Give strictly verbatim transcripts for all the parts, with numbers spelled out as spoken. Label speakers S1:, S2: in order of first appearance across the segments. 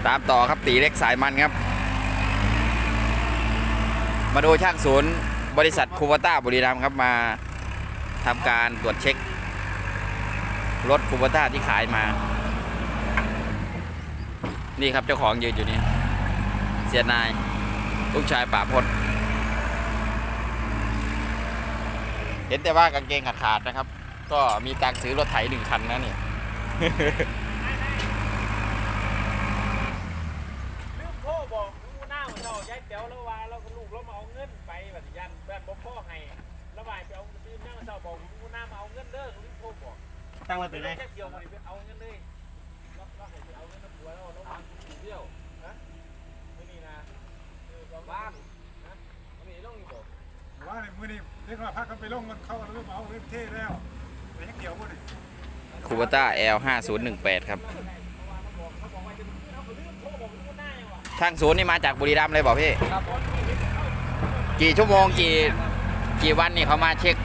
S1: ตามต่อครับตีเล็กสายมันครับมาดูช่างศูนย์บริษัทคูโบต้าบุรีรัมย์ครับมาทำการตรวจเช็ครถคูโบต้าที่ขายมานี่ครับเจ้าของยืนอยู่นี่เสียนายลูกชายป่าพจน์เห็นแต่ว่ากางเกงขาดขาดนะครับก็มีตังค์ซื้อรถไถหนึ่งคันนะเนี่ย
S2: ลืมโทรบอกลูกหน้าของเราย้ายเต๋วแล้วว่าเราก็ลูกเรามาเอาเงินไปแบบยันแบบบ่พ่อให้ระบายไปเอาลืมหน้าของเราบอกลูกหน้ามาเอาเงินเด้อลืมโทรบอก
S3: ตั้งไว้เป็นไง
S2: แค่เดียวไปเอาเงินเลยเราเราให้ไปเอาเงินน้ำหัวแล้วเราวางกูเดียวนะไม่นี่นะบ้านนะไม่นี่ต้องบอก
S4: ว่าในมือนี่เรียกว่าพักกันไปลงมันเข้าเรื่องเอาเรื่องเท่แล้วแต่ยังเกี่ยวกัน
S1: คูโบต้า แอล ห้าศูนย์หนึ่งแปด ครับช่างศูนย์นี่มาจากบุรีรัมย์เลยบอกพี่กี่ชั่วโมงกี่กี่วันนี่เขามาเช็ค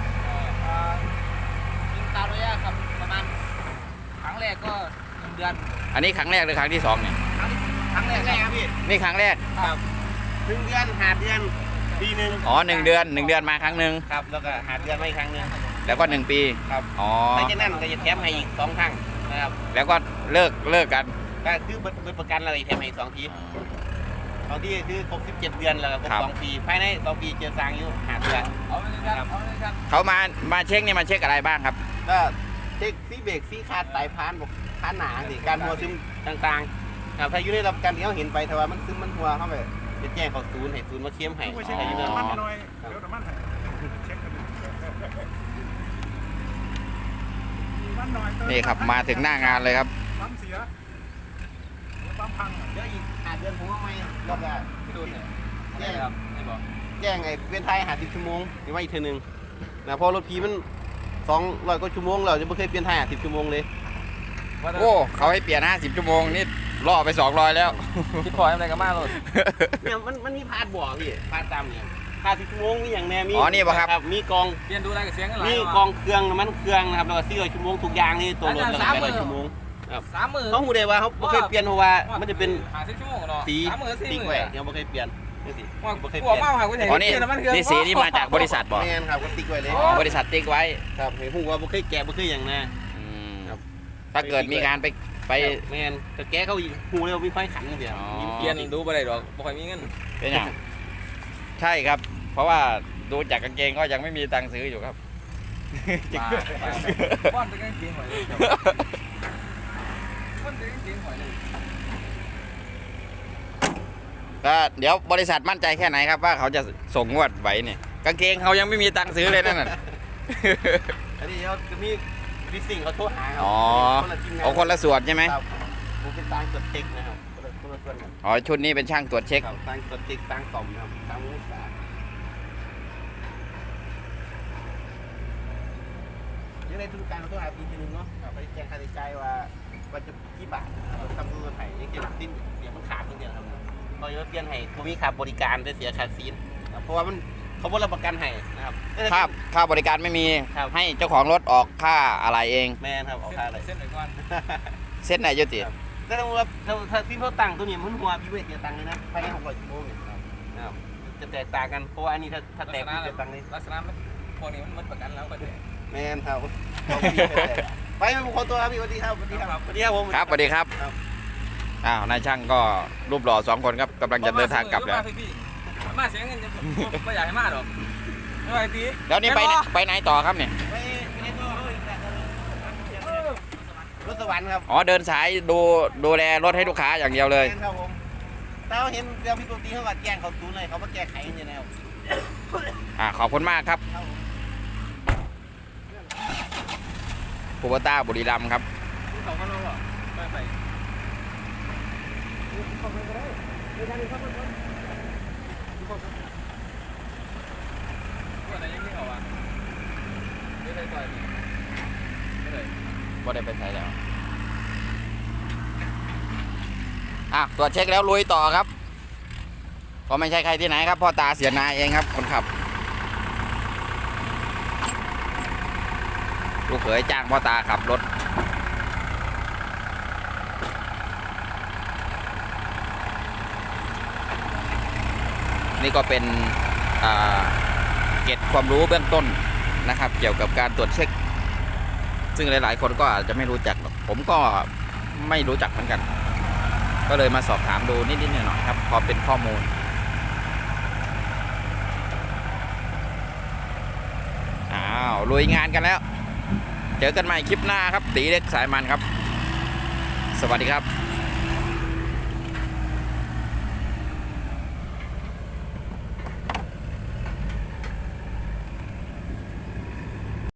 S3: ตามระยะครับประมาณครั้งแรกก็หนึ่งเดือน
S1: อันนี้ครั้งแรกหรือครั้งที่สองเนี่ย
S3: ครั้งแรกครับพี่
S1: นี่ครั้งแรก
S3: ครับหนึ่งเดือนหาเดือนปีหนึ่ง
S1: อ๋อหนึ่งเดือนหนึ่งเดือนมาครั้งหนึ่ง
S3: ครับแล้วก็หาเดือนมาอีกครั้งหนึ่ง
S1: แล้วก็หนึ่งปี
S3: ครับ
S1: อ๋อ
S3: หลังจากนั้นก็จะแถมให้อีกสองครั้งนะครับ
S1: แล้วก็เลิกเลิกกัน
S3: ก็คือเบิดประกันอะไรแถมให้อีกสองทีสองทีคือครบสิบเจ็ดเดือนแล้วก็ครบสองปีภายในสองปีเจอสร้างอยู่หาเดือน
S1: เขามามาเช็คนี่มาเช็คอะไรบ้างครับ
S3: ก็เช็คซีเบรกซีคาดไตพานบอกพานหนาสิการหัวซึมต่างๆถ้าอยู่ในรับการที่เขาเห็นไปแต่ว่ามันซึมมันหัวเข้าไปจะแจ้งเขาศูนย์ให้ศูนย์มาเคี่ยมให้
S4: ไม่ใช่อยู่ในมันหน่อยเดี๋ยวน้ำมันให้เช็คกัน
S1: นี่ครับมาถึงหน้างานเลยครับ
S4: ปั๊มเสียปั๊มพัง
S3: เดี๋ยวอีกหาเดือนผมว่าไม่รอบแรกพี่ดูเนี่ยแจ้งครับไม่บอกแจ้งไอ้เวียนไทยหาสิบชั่วโมงหรือว่าอีกเท่านึงนะเพราะรถพีมันสองร้อยกว่าชั่วโมงเราจะไม่เคยเปลี่ยนไทยหาสิบชั่วโมงเลย
S1: โอ้เขาให้เปลี่ยนห้าสิบชั่วโมงนี่ล่อไปสองร้อยแล้ว
S3: คิดพออะไรกันมากเลยเนี่ยมันมันมีพาดบ่อพี่พาดตามเนี่ยพาดสิบชั่วโมงนี่อย่างแน่มี
S1: อ๋อนี่ป่ะครับ
S3: มีกอง
S2: เปลี่ยนดูอะไรกับเสียงกันหลาย
S3: มีกองเครื่องมันเครื่องนะครับแล้วก็สี่ร้อยชั่วโมงทุกอย่างนี่ตัวรถแล้วก็แปดร้อยชั่วโมง
S2: สามหมื่น
S3: เขาหูได้ว่าเขาไม่เคยเปลี่ยนเพราะว่ามันจะเป็นสีสีแหวกยังไม่เคยเปลี่ยนนี่สิ
S2: ไม่เคยเปลี่ยน
S1: อ๋อนี่นี่สีนี่มาจากบริษัทบอก
S3: แม่นครับก็ติ๊กไว้เลย
S1: บริษัทติ๊กไว้
S3: ครับเห็นหูว่าไม่เคยแกะไม่เคยอย่างนะ
S1: ถ้าเกิดมีงานไปไป
S3: แม่นแต่แกเขาหูเลยมีไฟขันเดียว
S2: เปลี่ยนดูไปได้หรอกบ่ค่อยมีเงิน
S1: เป็นอย่างใช่ครับเพราะว่าดูจากกางเกงก็ยังไม่มีตังค์ซื้ออยู่ครับ
S2: ป้อนจะกางเกงหอยเลยป้อนจะกางเกงหอยเลย
S1: ก็เดี๋ยวบริษัทมั่นใจแค่ไหนครับว่าเขาจะส่งงวดไหวเนี่ยกางเกงเขายังไม่มีตังค์ซื้อเลยนั่นน่ะ
S3: อันนี้เขาจะมีดิสิ่งเขาโทรหาครับ
S1: อ๋อเอาคนละส่วนใช่ไหม
S3: ครับผมเป็นตังตรวจเช็คนะครับคนละส่วนกัน
S1: อ๋อชุดนี้เป็นช่างตรวจเช็ค
S3: ตังตรวจเช็คตังสมนะครับตังมุสายังในทุนการเขาต้องหาปีนึงเนาะไปแจ้งค่าใช้จ่ายว่าว่าจะกี่บาททำรูปไถ่ยังเก็บสิ้นเดี๋ยวมันขาดเงินครับเราจะเปลี่ยนให้ผมมีค่าบริการได้เสียค่าซีนเพราะว่ามันเขาบริรับประกันให้นะครับ
S1: ค่าค่าบริการไม่มีให้เจ้าของรถออกค่าอะไรเอง
S3: แม่ครับออกค่าอะไร
S2: เส้นไหนก่อน
S1: เส้นไหนยุติ
S3: แต่ถ้าว่าถ้าสิ้นเขาตังตัวนี้มันหัวพี่เวทเสียตังเลยนะภายในหกร้อยชั่วโมงเนี่ยนะครับจะแตกต่างกันเพราะว่าอันนี้ถ้าถ้าแตกเสียตังเลย
S2: ลักษณะมันพวกนี้มันหมดประกันแล้วก็ได้
S3: แม่ครับไปไปขอตัวครับพี่สวัสดีครับสวัสดีครับสวัสดีครับผม
S1: ครับสวัสดีครับอ้าวนายช่างก็รูปหล่อสองคนครับกำลังจะเดินทางกลับแล้ว
S2: มาเสียเงินไม่อยากให้มาหรอกไม่ไหวตี
S1: แล้วนี่ไปไปไหนต่อครับเนี่ย
S3: ไปไปตัวรถสวรรค์ครับ
S1: อ๋อเดินสายดูดูแลรถให้ลูกค้าอย่างเดียวเลย
S3: ครับผมแต่เราเห็นเรื่องพี่ปกติเขาก็แจ้งเขาตูนเลยเขามาแก้ไขอย่างนี้นะครับ
S1: อ่าขอบคุณมากครับคูโบต้าบุรีรัมย์ครับ
S2: เขาก็รู้หรอไปไปว่าอะไรยังไม่เอาอ่ะไม่ได้ไปไม่ได้
S1: ว่าได้ไปใช้แล้วอ่ะตรวจเช็คแล้วลุยต่อครับก็ไม่ใช่ใครที่ไหนครับพ่อตาเสียนายเองครับคนขับลูกเขยจ้างพ่อตาขับรถนี่ก็เป็นอ่าเกร็ดความรู้เบื้องต้นนะครับ เกี่ยวกับการตรวจเช็ค ซึ่งหลายๆคนก็อาจจะไม่รู้จักหรอกผมก็ไม่รู้จักเหมือนกัน ก็เลยมาสอบถามดูนิดๆหน่อยๆครับพอเป็นข้อมูลอ้าวลุยงานกันแล้ว เจอกันใหม่คลิปหน้าครับตีเล็กสายมันครับ สวัสดีครับ